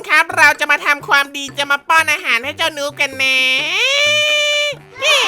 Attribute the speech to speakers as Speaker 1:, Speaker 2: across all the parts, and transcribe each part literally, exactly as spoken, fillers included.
Speaker 1: ครับเราจะมาทำความดีจะมาป้อนอาหารให้เจ้านูกันนะเย้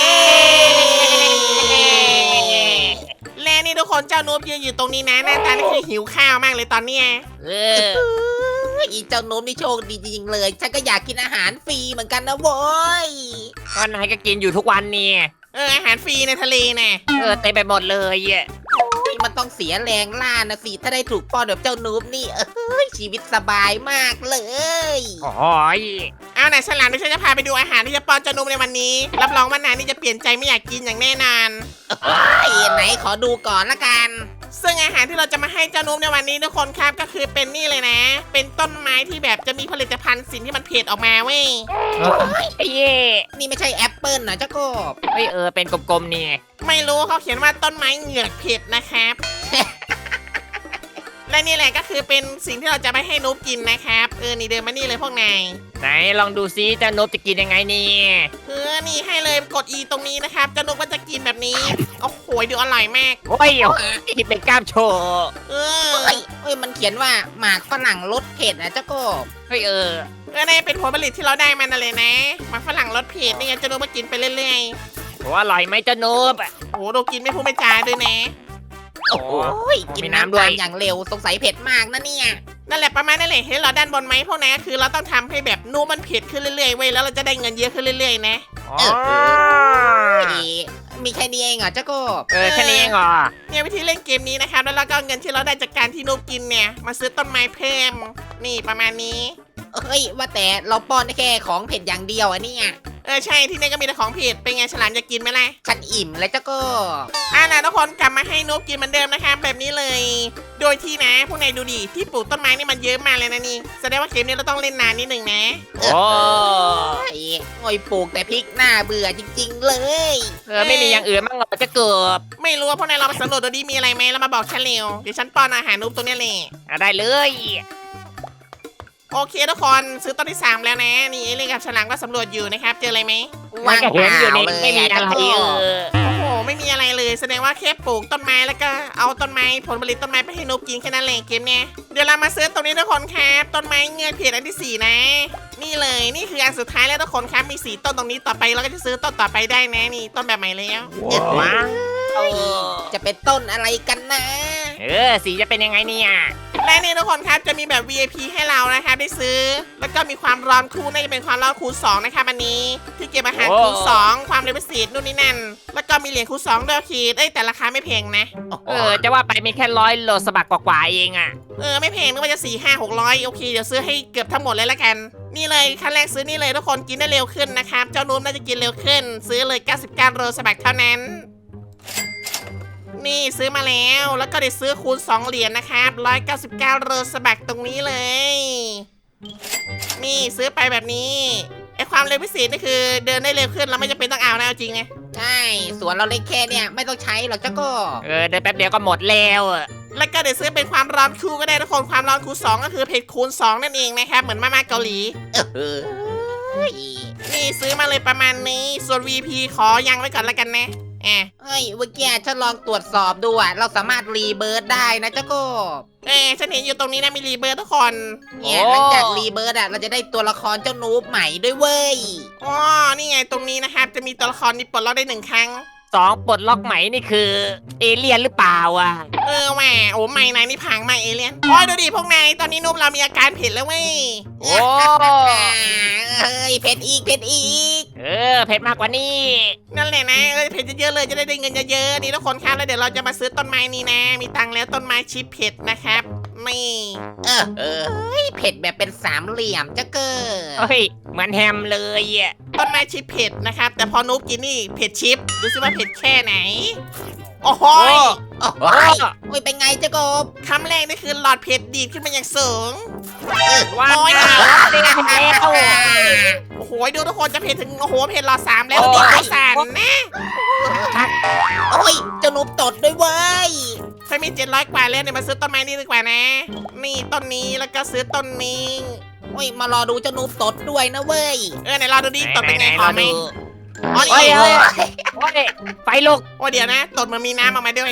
Speaker 1: และนี่ทุกคนเจ้านูยืนอยู่ตรงนี้นะหน้าตานี่คือหิวข้าวมากเลยตอนเนี้ย
Speaker 2: เอออีเจ้าโน้มนี่โชคดีจริงๆเลยฉันก็อยากกินอาหารฟรีเหมือนกันนะโว้ย
Speaker 3: ก็นายก็กินอยู่ทุกวันเนี่ย
Speaker 1: เอออาหารฟรีในทะเลนะ
Speaker 3: เออเต็มไปหมดเลยอ่ะ
Speaker 2: มันต้องเสียแรงล่านะสิถ้าได้ถูกป้อนแบบเจ้านูบนี่เอ้ยชีวิตสบายมากเลย
Speaker 3: โอ้ย
Speaker 1: เอาไหนฉลามเดี๋ยวฉันจะพาไปดูอาหารที่จะป้อนเจ้านูในวันนี้รับรองว่านายนี่จะเปลี่ยนใจไม่อยากกินอย่างแน่นอน
Speaker 2: ไอ้ไหนขอดูก่อนละกัน
Speaker 1: ซึ่งอาหารที่เราจะมาให้เจ้านูในวันนี้ทุกคนครับก็คือเป็นนี่เลยนะ เป็นต้นไม้ที่แบบจะมีผลิตภัณฑ์สิ่งที่มันเผ็ดออกมาเว้ย
Speaker 3: ไอ้เย่
Speaker 2: นี่ไม่ใช่แอปเปิลนะเจ้ากบ
Speaker 3: เฮ้ยเออเป็นกลมๆเนี่ย
Speaker 1: ไม่รู้เขาเขียนว่าต้นไม้เหงือกเผ็ดนะครับ และนี่แหละก็คือเป็นสิ่งที่เราจะไปให้นูบกินนะครับเออนี่เดินมานี่เลยพวกนาย
Speaker 3: ไหนลองดูซิเจ้านบจะกินยังไงเนี่ย
Speaker 1: เออนี่ให้เลยกด E ตรงนี้นะครับเจ้านูบก็จะกินแบบนี้โอ้โหดูอร่อยมาก
Speaker 3: โอ้ยโอ้ยเป็นกล้ามโชว์
Speaker 1: เออ
Speaker 2: เอ้ยเอ้ยมันเขียนว่าหมากฝรั่งรสเผ็ดนะเจ้ากบ
Speaker 3: เฮ้ยเออ
Speaker 1: เออนี่เป็นผลผลิตที่เราได้มานั่นเลยนะหมาฝรั่งรสเผ็ดนี่ไงเจ้านูบมากินไปเรื่อย
Speaker 3: โอ้อร่อยไหมเจ้านบอ่ะ
Speaker 1: ๆโอ้โหดูกินไม่พูดไม่จาด้วยนะ
Speaker 3: โอ้
Speaker 2: โอ้ยกิน
Speaker 3: มี
Speaker 2: น้ำ
Speaker 3: น้ำด้ว
Speaker 2: ตาย มอย่างเร็วสงสัยเผ็ดมากนะเนี่ย
Speaker 1: นั่นแหละประมาณนั่นแหละเห็นเราด้านบนไหมพวกนั้นก็คือเราต้องทำให้แบบนูบมันเผ็ดขึ้นเรื่อยๆเว้ยแล้วเราจะได้เงินเยอะขึ้นเรื่อยๆนะ
Speaker 3: อ๋อ
Speaker 2: เอ๊ะมีแค่นี้เองเหรอเจ้ากบ
Speaker 3: เออแค่นี้เองเหรอ
Speaker 1: เนี่ยวิธีเล่นเกมนี้นะครับแล้วเราก็เอาเงินที่เราได้จากการที่นูบกินเนี่ยมาซื้อต้นไม้เพิ่มนี่ประมาณนี้
Speaker 2: เอ้ยว่าแต่เราป้อนได้แค่ของเผ็ดอย่างเดียวอะเนี่ย
Speaker 1: เออใช่ที่นี่ก็มีแต่ของเผ็ดเป็นไงฉลามจะกินไหมล่ะ
Speaker 2: ฉันอิ่มแล้วเจ้ากบ
Speaker 1: อ่านะทุกคนกลับมาให้นูบกินเหมือนเดิมนะครับแบบนี้เลย โดยที่นะพวกนายดูดิที่ปลูกต้นไม้นี่มันเยอะมากเลยนะนี่แสดงว่าเกมนี้เราต้องเล่นนานนิดหนึ่งนะ
Speaker 3: โอ้
Speaker 2: ไอ้โอ้ยปลูกแต่พริกหน้าเบื่อจริงๆเลย
Speaker 3: เออไม่มีอย่างอื่นบ้างเหรอจะเกิบ
Speaker 1: ไม่รู้ว่าพวกนายลองไปสำรวจดูดิมีอะไรไหมแล้วมาบอกฉันเร็วเดี๋ยวฉันป้อนอาหารนูบตัวเนี้ยเลย
Speaker 3: อ่ะได้เลย
Speaker 1: โอเคทุกคนซื้อต้นที่สามแล้วนะนี่เอเลี่ยนกับฉลามก็สำรวจอยู่นะครับเจออะไรไหม
Speaker 3: มันก็เห็นอยู่นี่
Speaker 2: ว่างเปล่า
Speaker 3: ไม่มีอะไร
Speaker 2: เลย
Speaker 3: เอ
Speaker 2: อะ
Speaker 3: อ
Speaker 1: โอ้โหไม่มีอะไรเลยแสดงว่าแค่ปลูกต้นไม้แล้วก็เอาต้นไม้ผลผลิตต้นไม้ไปให้นูบกินแค่นั้นแหละเกมเนี้ยเดี๋ยวเรามาซื้อตรงนี้ทุกคนครับต้นไม้เงือกเพียรอันที่สี่นะ นี่เลยนี่คืออันสุดท้ายแล้วทุกคนครับมีสีต้นตรงนี้ต่อไปเราก็จะซื้อต้นต่อไปได้นะนี่ต้นแบบใหม่แล้ว
Speaker 3: ว้าว
Speaker 2: จะเป็นต้นอะไรกันนะ
Speaker 3: เออสีจะเป็นยังไงเนี่ย
Speaker 1: และนี่ทุกคนครับจะมีแบบ วี ไอ พี ให้เรานะครับได้ซื้อ แล้วก็มีความร้อนคูณน่าจะเป็นความร้อนคูณสองนะครับอันนี้ที่เก็บอาหารคูณสองความเร็วพิเศษนู่นนี่นั่นแล้วก็มีเหรียญคูณสองด้วยขีดเอ้ยแต่ราคาไม่แพงนะ
Speaker 3: เออจะว่าไปมีแค่ร้อยโลสบักกว่าๆเองอ่ะ
Speaker 1: เออไม่แพงนึกว่าจะสี่ห้าหกร้อยโอเคเดี๋ยวซื้อให้เกือบทั้งหมดเลยละกัน นี่เลยขั้นแรกซื้อนี่เลยทุกคนกินได้เร็วขึ้นนะครับเจ้านูมน่าจะกินเร็วขึ้น ซื้อเลยเก้าสิบเก้าโรสบักเท่านั้น นี่ซื้อมาแล้วแล้วก็ได้ซื้อคูณสองเหรียญนะครับหนึ่งร้อยเก้าสิบเก้าโรสบักตรงนี้เลย นี่ซื้อไปแบบนี้ไอความเร็วพิเศษนี่คือเดินได้เร็วขึ้นเราไม่จำเป็นต้องเอานะเอาจริงไง
Speaker 2: ใช่สวนเราเล็กแค่เนี่ยไม่ต้องใช้หรอกเจ้ากบ
Speaker 3: เออเดินแป๊บเดียวก็หมดแล้วอะ
Speaker 1: แล้วก็เดี๋ยวซื้อเป็นความร้อนคูณก็ได้ทุกคนความร้อนคูณสองก็คือเผ็ดคูณสองนั่นเองนะครับเหมือนมาม่าเกาหลี
Speaker 2: เออเฮ้ย
Speaker 1: นี่ซื้อมาเลยประมาณนี้ส่วน วี พี ขอยังไว้ก่อนละกันนะแอบ
Speaker 2: เฮ้ยเมื่อกี้ฉันลองตรวจสอบดูอะเราสามารถรีเบิร์ดได้นะเจ้ากบ
Speaker 1: เออฉันเห็นอยู่ตรงนี้นะมีรีเบิร์ดทุกคน
Speaker 2: เนี่ยหลังจากรีเบิร์ดอะเราจะได้ตัวละครเจ้านูบใหม่ด้วยเว้ย
Speaker 1: อ๋อนี่ไงตรงนี้นะครับจะมีตัวละครนี้ปลดล็อกได้หนึ่งครั้ง
Speaker 3: สองปลดล็อกใหม่นี่คือ เอเลี่ยนหรือเปล่าอ่ะ
Speaker 1: เออแหมโอ้ไม่นายนี่พังมากเอเลี่ยนโอ้ยดูดิพวกนายตอนนี้นุ่มเรามีอาการเผ็ดแล้วเว้ย
Speaker 3: โอ้
Speaker 2: เฮ้ยเผ็ดอีกเผ็ดอีก
Speaker 3: เออเผ็ดมากกว่านี้
Speaker 1: นั่นแหละนะเออเผ็ดเยอะๆเลยจะได้ได้เงินเยอะๆนี่ทุกคนครับแล้วเดี๋ยวเราจะมาซื้อต้นไม้นี้นะ มีตังค์แล้วต้นไม้ชิปเผ็ดนะครับนี่
Speaker 2: เออเออเฮ้ยเผ็ดแบบเป็นสามเหลี่ยมเจ้าเกอ
Speaker 3: เฮ้ยเหมือนแฮมเลยอ่ะ
Speaker 1: ต้นไม้ชิปเผ็ดนะครับแต่พอนุ๊กกินนี่เผ็ดชิปดูซิว่าเผ็ดแค่ไหนโอ้โหย
Speaker 2: โอ้โหยโอ้ยเป็นไงเจ้ากบ
Speaker 1: คำแรกนี่คือหลอดเผ็ดดีดขึ้นมาอย่างสูง
Speaker 3: ว้าว
Speaker 1: โอ้ย
Speaker 3: เด้งแล้ว
Speaker 1: โอ้โหดูทุกคนจะเผ็ดถึงโอ้โหเผ็ดหลอดสามแล้วดีกว่าสารนะ
Speaker 2: โอ้ยเจ้านูบตดด้วยเว้ย
Speaker 1: ถ้ามีเจ็ดร้อยกว่าแล้วเนี่ยมาซื้อต้นไม้นี่ดีกว่านะ นี่ต้นนี้แล้วก็ซื้อต้นนี้
Speaker 2: โอ้ยมารอดูเจ้านูบตดด้วยนะเว้ย
Speaker 1: เออไหนเราดูดิตดเป็นไงขอไหมอ๋อ
Speaker 3: โอ้ย
Speaker 1: นี่
Speaker 3: เฮ้ยโอ้ยไฟลุก
Speaker 1: โอ้เดี๋ยวนะตดมันมีน้ำออกมาด้วย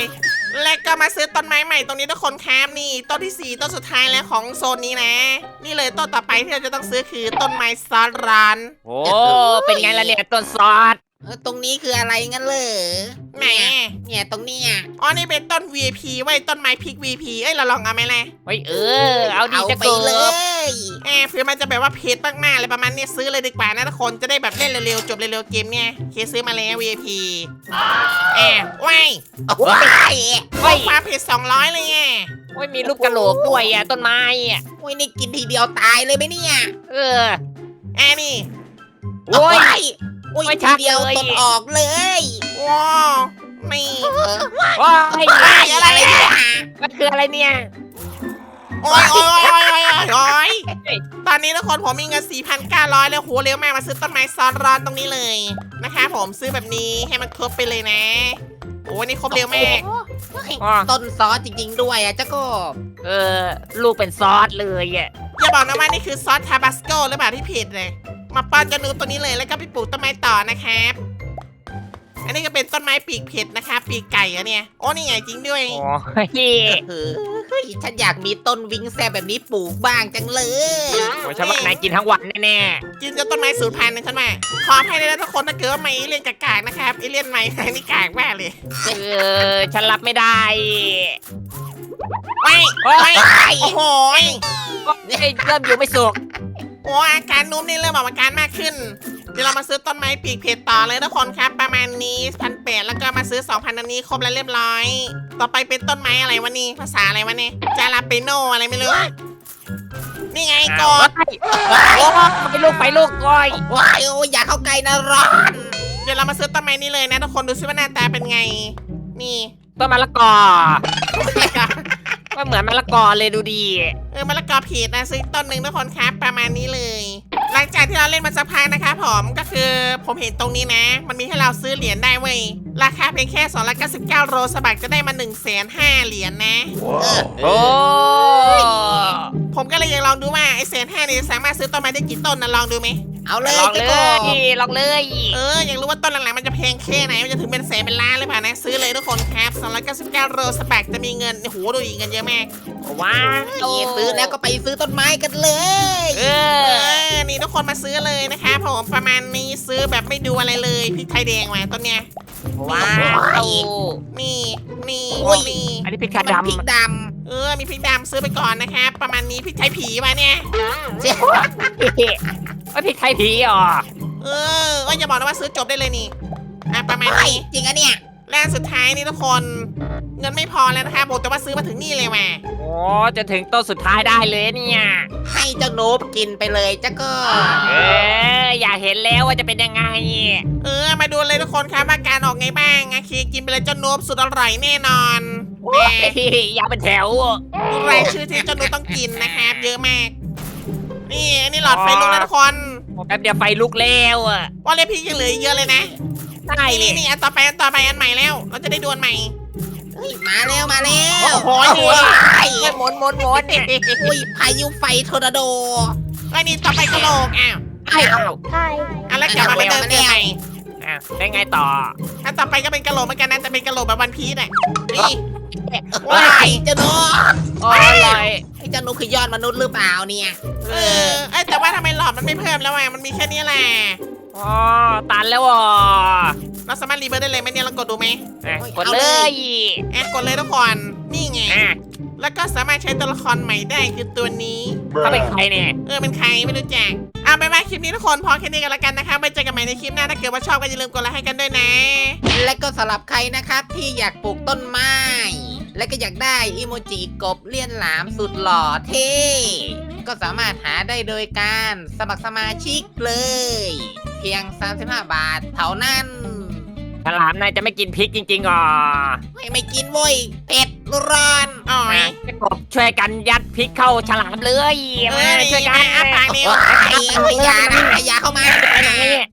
Speaker 1: และก็มาซื้อต้นไม้ใหม่ตรงนี้ทุกคนครับนี่ต้นที่สี่ต้นสุดท้ายแล้วของโซนนี้นะ นี่เลยต้นต่อไปที่เราจะต้องซื้อคือต้นไม้ซอสร้าน
Speaker 3: โอ้เป็นไงล่ะเนี่ยต้นซอส
Speaker 2: เออตรงนี้คืออะไรงั้นเลย
Speaker 1: แหม
Speaker 2: เนี่ยตรงเนี้ย
Speaker 1: อ๋อนี่เป็นต้น วี ไอ พี ไว้ต้นไม้พริก วี ไอ พี เอ้ยเราลองเอาไหมล่ะ
Speaker 3: เฮ้ยเออเอาดี
Speaker 2: เอา
Speaker 3: จะ
Speaker 2: ไป
Speaker 3: เกิ
Speaker 2: เล
Speaker 3: บ
Speaker 2: ย
Speaker 1: แอบเผื่อมันจะแบบว่าเพจมากๆเลยประมาณเนี้ยซื้อเลยดีกว่านะทุกคนจะได้แบบเล่นเร็วๆจบเร็วๆเกมเนี่ยเคซื้อมาแล้ว วี ไอ พี แอบว้าย
Speaker 2: ว้าย
Speaker 3: เฮ้ย
Speaker 1: ความเพจสองร้อยเลยไง
Speaker 3: โอ้ยมีรูปกระโหลกด้วยอ่ะต้นไม้อ่ะ
Speaker 2: โอ้ยนี่กินทีเดียวตายเลยไหมเนี่ย
Speaker 3: เออ
Speaker 1: แอบนี่
Speaker 3: โอ้ย
Speaker 2: โอ้ย
Speaker 3: ไม่ชั
Speaker 2: ที
Speaker 3: ด
Speaker 2: เดียว
Speaker 3: เลย
Speaker 2: ตดออกเลย
Speaker 1: ว้าวนี่
Speaker 2: เออ
Speaker 3: โอ้ย
Speaker 2: ว้ายอะไรเนี่ย
Speaker 3: มันคืออะไรเนี่ย
Speaker 1: โอ้ยโอ้ยโอ้ยโอ้ยโอ้ยโอ้ยตอนนี้ทุกคนผมมีเงิน สี่พันเก้าร้อย แล้วโหเร็วมากมาซื้อต้นไม้ซ้อนร้อนตรงนี้เลยนะคะผมซื้อแบบนี้ให้มันครบไปเลยนะโอ้ยนี่ครบเร็วมาก
Speaker 3: อ๋อ
Speaker 2: ต้นซอสจริง ๆ ด้วยอ่ะเจ้าก็
Speaker 3: เออลูกเป็นซอสเลยอ่ะ
Speaker 1: อย่าบอกนะว่านี่คือซอสทาบาสโกหรือเปล่าที่ผิดเลยมาป้อนเจานูตัวนี้เลยแล้วก็ไปปลูกต้นไม้ต่อนะครับอันนี้ก็เป็นต้นไม้ปีกเผ็ดนะคะปีกไก่อะเนี่ยโอ้นี่ไงจริงด้วย
Speaker 3: โอ้ย
Speaker 2: เออเฮ้ยฉันอยากมีต้นวิงแซบแบบนี้ปลูกบ้างจังเลย
Speaker 3: โอ้ยฉันว่านายกินทั้งวันแน่
Speaker 1: กินจนต้นไม้สูญพันธุ์นะฉันว่าขอให้ได้แล้วทุกคนถ้าเกิดว่าไม่เอเลี่ยนกากๆนะครับเอเลี่ยนใหม่นี่กากมากเลย
Speaker 3: ๆเออฉันรับไม่ได้
Speaker 1: ว้าย
Speaker 3: โอ้ย
Speaker 1: ว้ายโอ้โหย
Speaker 3: เฮ้ยเริ่มอยู่ไม่สุก
Speaker 1: โอ้อาการนุ่มนี่เริ่มออกอาการมากขึ้น เดี๋ยวเรามาซื้อต้นไม้ปีกเผ็ดต่อเลยทุกคนครับ ประมาณนี้พันแปดแล้วก็มาซื้อ 2,000 อันนี้ครบแล้วเรียบร้อย ต่อไปเป็นต้นไม้อะไรวะนี่ภาษาอะไรวะเนี่ยจาราเปโนอะไรไม่รู้นี่ไงกด
Speaker 3: โอ้ไปลูกไปลูกก้อย
Speaker 2: ว้ายโอ้ยอย่าเข้าใกล้นะร้อน
Speaker 1: เดี๋ยวเรามาซื้อต้นไม้นี้เลยนะทุกคนดูซิว่าหน้าตาเป็นไง นี่
Speaker 3: ต้นมะละกอก็เหมือนมะละกอเลยดูดี
Speaker 1: เออมะละกอผิดนะซื้อต้นหนึ่งทุกคนครับประมาณนี้เลย หลังจากที่เราเล่นมาสักพักนะคะผมก็คือผมเห็นตรงนี้นะ มันมีให้เราซื้อเหรียญได้เว้ยราคาเพียงแค่สองร้อยเก้าสิบเก้าโรสบักจะได้มา1นึ่งแสนห้าเหรียญนะ
Speaker 2: เออ
Speaker 3: โอ้
Speaker 1: ผมก็เลยอยากลองดูว่าไอ้แสนห้านี่สามารถซื้อต้นไม้ได้กี่ต้นนะลองดูไหม
Speaker 2: เอาเลย
Speaker 3: ลอง
Speaker 2: เจ้า
Speaker 3: เล
Speaker 2: ก็
Speaker 3: ยลองเลย
Speaker 1: เอออยากรู้ว่าต้นหลังๆมันจะแพงแค่ไหนมันจะถึงเป็นแสนเป็นล้านหรือเปล่านะซื้อเลยทุกคนครับสองร้อยเก้าสิบเก้าโรสบักจะมีเงินโอ้โหดูอีกเงินเยอะมาก
Speaker 3: ว้าว
Speaker 2: เอ้ยซื้อแล้วก็ไปซื้อต้นไม้กันเลย
Speaker 3: เอ
Speaker 1: เอ
Speaker 3: อ
Speaker 1: อนี่ทุกคนมาซื้อเลยนะคะผมประมาณนี้ซื้อแบบไม่ดูอะไรเลยพริกไทยแดงมาต้นเนี้ย
Speaker 3: ว้าว
Speaker 1: นี่นี่
Speaker 2: โอ้ย
Speaker 1: นี่
Speaker 3: อันนี้พริก
Speaker 2: มั
Speaker 3: กาน
Speaker 2: พริก
Speaker 3: ดำ
Speaker 2: ด
Speaker 1: เออมีพริกดำซื้อไปก่อนนะครับประมาณนี้พริกไทยผีมาเนี่ย
Speaker 2: ำเจ๊
Speaker 3: ว่าพริกไทยผีอ๋อ
Speaker 1: เออเอ้ยอย่าบอกนะว่าซื้อจบได้เลยนี่อ่ะประมาณ
Speaker 2: เฮ้ย
Speaker 1: นี้
Speaker 2: จริงอะเนี่ย
Speaker 1: และสุดท้ายนี่ทุกคน เงินไม่พอแล้วนะคะบอกแต่ว่าซื้อมาถึงนี่เลยว่ะ
Speaker 3: โอ้จะถึงต้นสุดท้ายได้เลยเนี่ย
Speaker 2: ให้เจ้าโนบกินไปเลยเจ้าก็
Speaker 3: เอออยากเห็นแล้วว่าจะเป็นยังไง
Speaker 1: เออมาดูเลยทุกคนครับอาการออกไงบ้างอาคีกินไปเลยเจ้าโนบสุดอร่อยแน่นอนแหม
Speaker 3: อยากเป็นแถว
Speaker 1: ดูรายชื่อที่เจ้าโนบต้องกินนะครับเยอะมาก นี่อันนี้หลอดไฟลุกแล้วทุกคน
Speaker 3: แป๊บเดียวไฟลุกแล้วอ่ะ
Speaker 1: ว่าเลยพี่ยังเหลืออีกเยอะเลยนะ
Speaker 3: ใช่
Speaker 1: นี่นี่นี่อันต่อไปอันต่อไปอันใหม่แล้ว เราจะได้ดวลใหม่
Speaker 2: เฮ้ยมาแล้วมาแล้ว
Speaker 1: โอ้โห
Speaker 2: โอ้ย
Speaker 3: เฮ้ยหมนหมนหมนเนี่ย
Speaker 2: อุ้ยพายุไฟทอร์นาโด
Speaker 1: ไอ้นี่ต่อไปกระโหลกอ้าว
Speaker 3: ไอ้าว
Speaker 1: อันแล้วกลับมาเป็นเดิมเดิมใหม่
Speaker 3: อ่ะได้ไงต่อ
Speaker 1: อันต่อไปก็เป็นกระโหลกเหมือนกันนะแต่เป็นกระโหลกแบบวันพีซอ่ะนี่
Speaker 2: ว้ายเจ้าโนบ
Speaker 3: โอ้ยเลย
Speaker 2: ไอ้เจ้าโนบคือยอดมนุษย์หรือเปล่าเนี่ย
Speaker 1: เออเอ้ยแต่ว่าทำไมหลอดมันไม่เพิ่มแล้วอ่ะมันมีแค่นี้แหละ
Speaker 3: อ๋อตันแล้วอ่ะ
Speaker 1: เราสามารถรีเบิร์ดได้เลยไหมเนี่ยเรากดดูไหม
Speaker 3: อ่ะกดเลย
Speaker 1: แอะกดเลยทุกคนนี่ไง
Speaker 3: อ่ะ
Speaker 1: แล้วก็สามารถใช้ตัวละครใหม่ได้คือตัวนี้
Speaker 3: เขาเป็นใครเนี่ย
Speaker 1: เออเป็นใครไม่รู้จักเอาไปมาคลิปนี้ทุกคนพอแค่นี้กันแล้วกันนะคะไว้เจอกันใหม่ในคลิปหน้าถ้าเกิดว่าชอบก็อย่าลืมกดไลค์ให้กันด้วยนะ
Speaker 2: และก็สำหรับใครนะครับที่อยากปลูกต้นไม้ และก็อยากได้อิโมจิกบเลี่ยนหลามสุดหล่อเท่ก็สามารถหาได้โดยการสมัครสมาชิกเลย เพียงสามสิบห้าบาทเท่านั้น
Speaker 3: ฉลามนายจะไม่กินพริกจริงๆอ๋อ
Speaker 2: ไม่ไม่กินเว้ยเผ็ดร้อน
Speaker 1: อ๋อย
Speaker 3: จะกบช่วยกันยัดพริกเข้าฉลามเลย
Speaker 1: เอ
Speaker 3: มา
Speaker 1: อนี่
Speaker 3: ช่วยกั
Speaker 1: มาน อ้าปากเร็ว
Speaker 2: ไอ้ไอ้ยานะไอ้ยาเข้ามา
Speaker 3: ไปไหนเนี่ย